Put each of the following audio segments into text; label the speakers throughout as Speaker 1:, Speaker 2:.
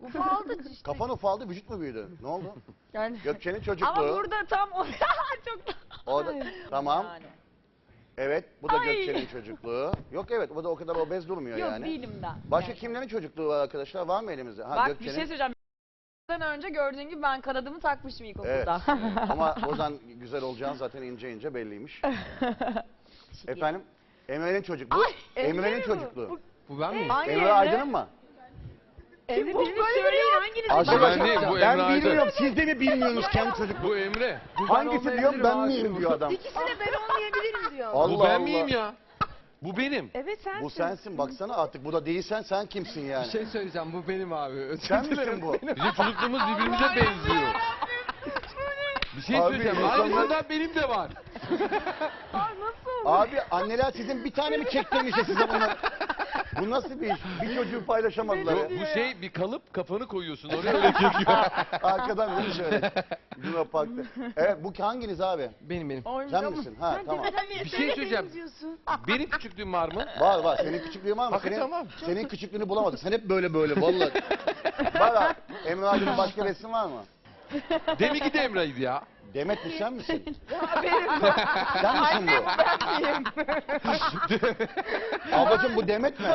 Speaker 1: Ufaldı işte.
Speaker 2: Kafan ufaldı, vücut mu büyüdü? Ne oldu?
Speaker 1: Yani.
Speaker 2: Gökçe'nin çocukluğu.
Speaker 1: Ama burada tam o çok
Speaker 2: O da, tamam.
Speaker 1: yani.
Speaker 2: Evet, bu da
Speaker 1: Ay.
Speaker 2: Gökçe'nin çocukluğu. Yok evet, bu da o kadar obez durmuyor
Speaker 1: Yok
Speaker 2: yani.
Speaker 1: değilim ben.
Speaker 2: Başka
Speaker 1: Yani.
Speaker 2: kimlerin çocukluğu var arkadaşlar? Var mı elimizde? Ha,
Speaker 1: Bak bir
Speaker 2: Gökçe'nin.
Speaker 1: şey söyleyeceğim. Önce gördüğün gibi ben kanadımı takmışım
Speaker 2: Evet.
Speaker 1: ilkokulda.
Speaker 2: Ama Ozan güzel olacağın zaten ince ince belliymiş. Efendim? Emre'nin çocukluğu.
Speaker 1: Ay, Emre
Speaker 2: Emre'nin
Speaker 1: mi bu?
Speaker 2: çocukluğu.
Speaker 3: Bu ben miyim?
Speaker 1: Hangi
Speaker 2: Emre
Speaker 1: Emre?
Speaker 2: Aydın'ın mı?
Speaker 1: Emre birini söyleyin hanginiz?
Speaker 2: Arkadaşlar,
Speaker 4: Ben değil, bu
Speaker 2: ben
Speaker 4: Emre Aydın.
Speaker 2: bilmiyorum. Siz de mi bilmiyorsunuz kendi çocukluğu?
Speaker 4: Bu Emre.
Speaker 2: Hangisi diyorum ben miyim diyor adam.
Speaker 5: İkisi de ben olmayabilirim diyor.
Speaker 2: Allah
Speaker 4: Bu ben
Speaker 2: Allah.
Speaker 4: miyim ya? Bu benim.
Speaker 5: Evet sensin.
Speaker 2: Bu sensin baksana artık. Bu da değilsen sen kimsin yani?
Speaker 3: Bir şey söyleyeceğim, bu benim abi. Özür
Speaker 2: Sen
Speaker 3: dilerim.
Speaker 2: misin bu?
Speaker 4: Bizim çocukluğumuz birbirimize benziyor. Bir şey
Speaker 2: Abi,
Speaker 4: söyleyeceğim.
Speaker 2: insanlar-
Speaker 4: Aynısından benim de var.
Speaker 2: Abi anneler sizin bir tane mi çektirmişse size bunlar? Bu nasıl bir iş? Bir çocuğu paylaşamadılar ya.
Speaker 4: Bu şey bir kalıp kafanı koyuyorsun oraya öyle çekiyor.
Speaker 2: Arkadan değil mi şöyle? Luna Park'ta. Evet bu hanginiz abi?
Speaker 3: Benim.
Speaker 2: Sen misin? Ha tamam.
Speaker 4: Bir şey söyleyeceğim. Benim küçüklüğüm var mı?
Speaker 2: Var. Senin küçüklüğün var mı?
Speaker 4: Hakikaten var.
Speaker 2: Senin küçüklüğünü bulamadık. Sen hep böyle vallahi. Var abi. Emre Aydın'ın başka resim var mı?
Speaker 4: Deminki de Emre'ydi ya.
Speaker 2: Demet mi sen misin? Sen misin bu? Ablacığım bu Demet mi?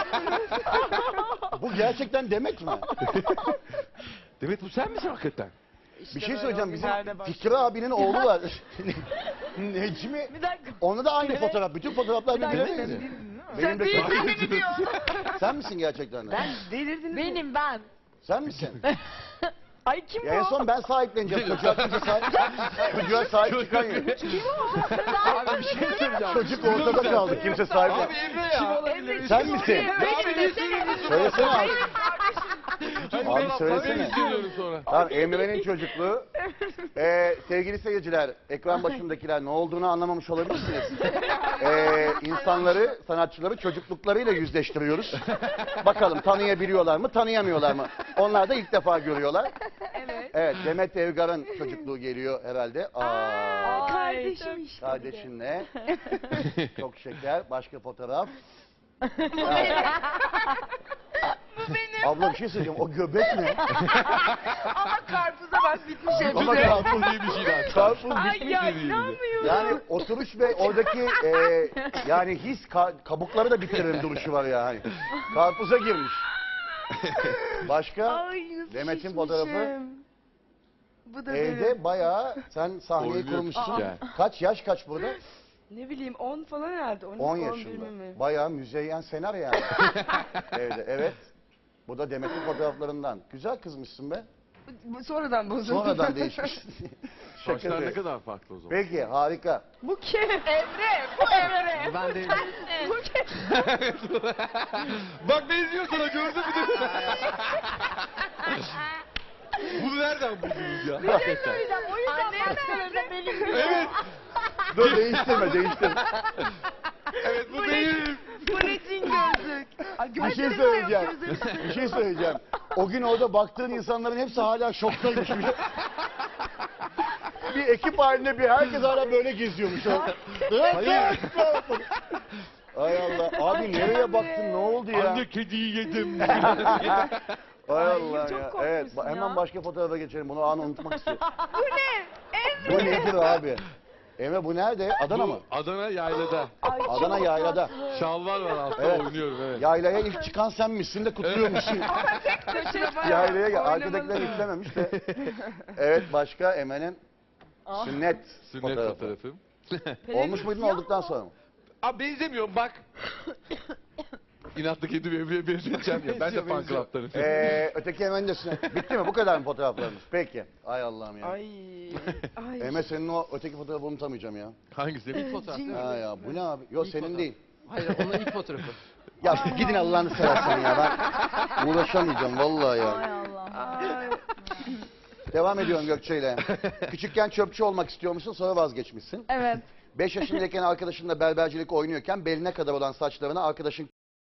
Speaker 2: Bu gerçekten Demet mi?
Speaker 4: Demet bu sen misin hakikaten?
Speaker 2: Bir şey söyleyeceğim. Bizim Fikri abinin oğlu var. Necmi.
Speaker 1: Bir dakika.
Speaker 2: Onda da aynı fotoğraf. Bütün fotoğraflar birbirine
Speaker 1: dakika.
Speaker 2: benziyor. Benim de Sen misin gerçekten de?
Speaker 5: Delirdiniz mi?
Speaker 1: Benim ben.
Speaker 2: Sen misin?
Speaker 1: Ay kim
Speaker 2: Ya en
Speaker 1: bu?
Speaker 2: son ben sahipleneceğim. Çocuğa kimse Çocuğa sahip çıkan yok.
Speaker 3: Abi bir şey söyleyeceğim.
Speaker 2: Çocuk ortada kaldı. Kimse sahip
Speaker 4: Abi
Speaker 2: yok.
Speaker 4: Emre ya.
Speaker 5: Emre
Speaker 2: Sen misin?
Speaker 4: Abi ne söylüyorsun?
Speaker 2: Söylesene abi.
Speaker 4: Abi
Speaker 2: Abi söylesene.
Speaker 4: söylüyorum sonra.
Speaker 2: Tamam Emre'nin çocukluğu. Sevgili seyirciler, ekran başındakiler ne olduğunu anlamamış olabilirsiniz. İnsanları, sanatçıları çocukluklarıyla yüzleştiriyoruz. Bakalım tanıyabiliyorlar mı, tanıyamıyorlar mı? Onlar da ilk defa görüyorlar.
Speaker 5: Evet.
Speaker 2: Evet, Demet Evgar'ın çocukluğu geliyor herhalde. Aa,
Speaker 5: Kardeşim işte.
Speaker 2: kardeşinle. Çok şeker. Başka fotoğraf. Abla bir şey söyleyeceğim. O göbek ne?
Speaker 5: Ama karpuza bak bitmiş hep.
Speaker 2: Ama
Speaker 4: Karpuz diye bir şey daha.
Speaker 2: Karpuz
Speaker 4: Ay
Speaker 2: bitmiş
Speaker 4: ya,
Speaker 2: dediği gibi.
Speaker 5: inanmıyorum.
Speaker 2: Yani oturuş ve oradaki yani his kabukları da bitiren duruşu var yani. Karpuza girmiş. Başka?
Speaker 5: Ay nasıl
Speaker 2: Demet'in
Speaker 5: şişmişim.
Speaker 2: fotoğrafı.
Speaker 5: Bu da benim.
Speaker 2: Evde bayağı sen sahneyi
Speaker 4: Oynuyor
Speaker 2: kurmuşsun.
Speaker 4: küçükken.
Speaker 2: Kaç yaş kaç burada?
Speaker 5: Ne bileyim 10 falan herhalde.
Speaker 2: 10
Speaker 5: 11
Speaker 2: yaşında.
Speaker 5: mi?
Speaker 2: Bayağı müzeyyen senar yani. Evde evet. Bu da Demet'in fotoğraflarından. Güzel kızmışsın be.
Speaker 5: Bu sonradan bozuldu.
Speaker 2: Sonradan değişmiş. Şaka
Speaker 4: Saçlar ne
Speaker 2: değil.
Speaker 4: kadar farklı o zaman.
Speaker 2: Peki harika.
Speaker 5: Bu kim? Emre. Bu Emre.
Speaker 3: Bu ben değilim.
Speaker 5: Bu kim?
Speaker 4: Bak benziyor sana gördün mü? Bunu nereden buldunuz ya? Hakikaten.
Speaker 1: O yüzden başkalarına benim.
Speaker 4: Evet.
Speaker 2: Dur değiştirme.
Speaker 4: Evet bu benim.
Speaker 5: Bu ne cin gözlük? Ay,
Speaker 2: Bir şey
Speaker 5: gözleri
Speaker 2: söyleyeceğim.
Speaker 5: yok, gözleri.
Speaker 2: Bir şey söyleyeceğim. O gün orada baktığın insanların hepsi hala şoktaymış. Bir ekip halinde bir herkes hala böyle geziyormuş. Hayır. Ay Allah. Abi nereye baktın? Ne oldu ya?
Speaker 4: Anne kediyi yedim.
Speaker 2: Ay Allah
Speaker 5: çok
Speaker 2: ya.
Speaker 5: korkmuşsun
Speaker 2: Evet. Hemen
Speaker 5: ya.
Speaker 2: başka fotoğrafa geçelim. Bunu anı unutmak istiyorum.
Speaker 5: Bu ne? Emre.
Speaker 2: Bu nedir abi? Emre bu nerede? Adana mı?
Speaker 4: Bu Adana yaylada.
Speaker 5: Ay,
Speaker 2: Adana
Speaker 5: çok
Speaker 2: yaylada.
Speaker 5: tatlı.
Speaker 4: Şalvar var altta
Speaker 2: Evet.
Speaker 4: oynuyorum evet.
Speaker 2: Yaylaya ilk çıkan sen misin de kutluyormuşsun.
Speaker 5: Başına bayağı
Speaker 2: Yaylaya gel.
Speaker 5: oynamalı.
Speaker 2: Arkadakiler istememiş de. Evet başka Emre'nin sünnet
Speaker 4: Sünnet
Speaker 2: fotoğrafı.
Speaker 4: fotoğrafım.
Speaker 2: Olmuş muydun olduktan sonra mı?
Speaker 4: Abi benzemiyorum bak. İnatlı kedi Emre'ye benzeteceğim ya. Ben de fan club'tanım.
Speaker 2: Öteki Emre'nin de sünnet. Bitti mi? Bu kadar mı fotoğraflarımız? Peki. Ay Allah'ım ya.
Speaker 5: Ay. Ay.
Speaker 2: Emre senin o öteki fotoğrafı unutamayacağım ya.
Speaker 4: Hangisi?
Speaker 3: İlk fotoğraf değil mi?
Speaker 2: Ha ya bu ne abi? Yok
Speaker 3: İlk
Speaker 2: senin
Speaker 3: fotoğraf.
Speaker 2: değil.
Speaker 3: Hayır onun ilk fotoğrafı.
Speaker 2: Ya gidin Allah'ını seversen ya ben uğraşamayacağım vallahi ya.
Speaker 1: Ay Allah.
Speaker 5: Ay.
Speaker 2: Devam ediyorum Gökçe ile. Küçükken çöpçü olmak istiyormuşsun sonra vazgeçmişsin.
Speaker 1: Evet.
Speaker 2: 5 yaşındayken arkadaşınla berbercilik oynuyorken beline kadar olan saçlarını arkadaşın